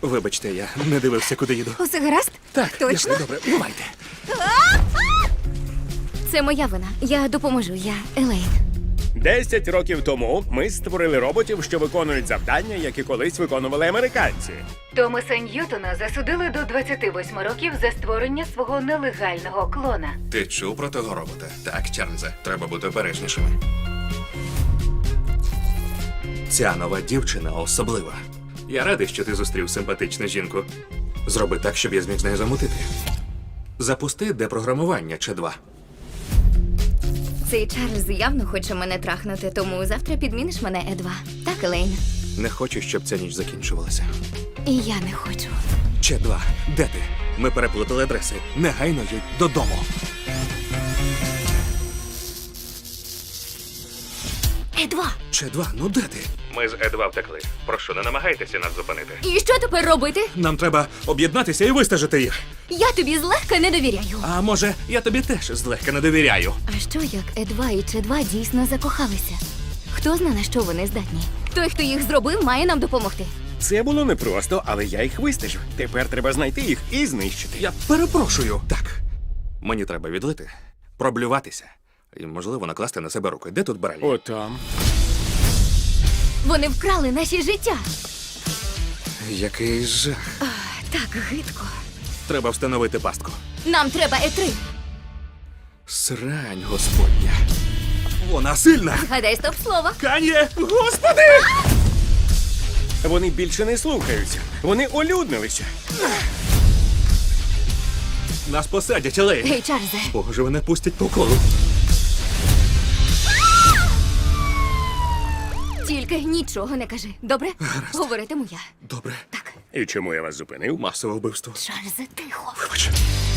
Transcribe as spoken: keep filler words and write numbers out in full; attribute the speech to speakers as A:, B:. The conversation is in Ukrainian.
A: Вибачте, я не дивився, куди їду.
B: Усе гаразд?
A: Так,
B: Точно?
A: дякую, добре, бувайте.
B: Це моя вина. Я допоможу. Я Елейн.
C: Десять років тому ми створили роботів, що виконують завдання, які колись виконували американці.
D: Томаса Ньютона засудили до двадцяти восьми років за створення свого нелегального клона.
E: Ти чув про того робота? Так, Чарльзе, треба бути обережнішими.
A: Ця нова дівчина особлива. Я радий, що ти зустрів симпатичну жінку. Зроби так, щоб я зміг з нею замутити. Запусти депрограмування Ч два.
B: Цей Чарльз явно хоче мене трахнути, тому завтра підміниш мене Е два. Так, Елейн?
A: Не хочу, щоб ця ніч закінчувалася.
B: І я не хочу.
A: Ч два, де ти? Ми переплутали адреси. Негайно їдь додому.
B: Е два!
A: Ч два, ну де ти? Ми з Е два втекли. Прошу, не намагайтеся нас зупинити.
B: І що тепер робити?
A: Нам треба об'єднатися і вистежити їх.
B: Я тобі злегка не довіряю.
A: А може, я тобі теж злегка не довіряю.
B: А що як Е два і Ч два дійсно закохалися? Хто знає, на що вони здатні? Той, хто їх зробив, має нам допомогти.
C: Це було непросто, але я їх вистежив. Тепер треба знайти їх і знищити.
A: Я перепрошую. Так. Мені треба відлити, проблюватися і, можливо, накласти на себе руки. Де тут барель?
C: Отам.
B: Вони вкрали наші життя.
A: Який жах.
B: А, так гидко.
A: Треба встановити пастку.
B: Нам треба Е три.
A: Срань, господня. Вона сильна.
B: Гадай стоп слово.
A: Кан'є! Господи!
C: Вони більше не слухаються. Вони олюднилися.
A: Нас посадять, але...
B: Гей, Чарльзе.
A: Боже, вони пустять по колу.
B: Тільки нічого не кажи. Добре? Говоритиму я.
A: Добре.
B: Так.
C: І чому я вас зупинив?
A: Масове вбивство.
B: Чарльзе, тихо.
A: Вибач.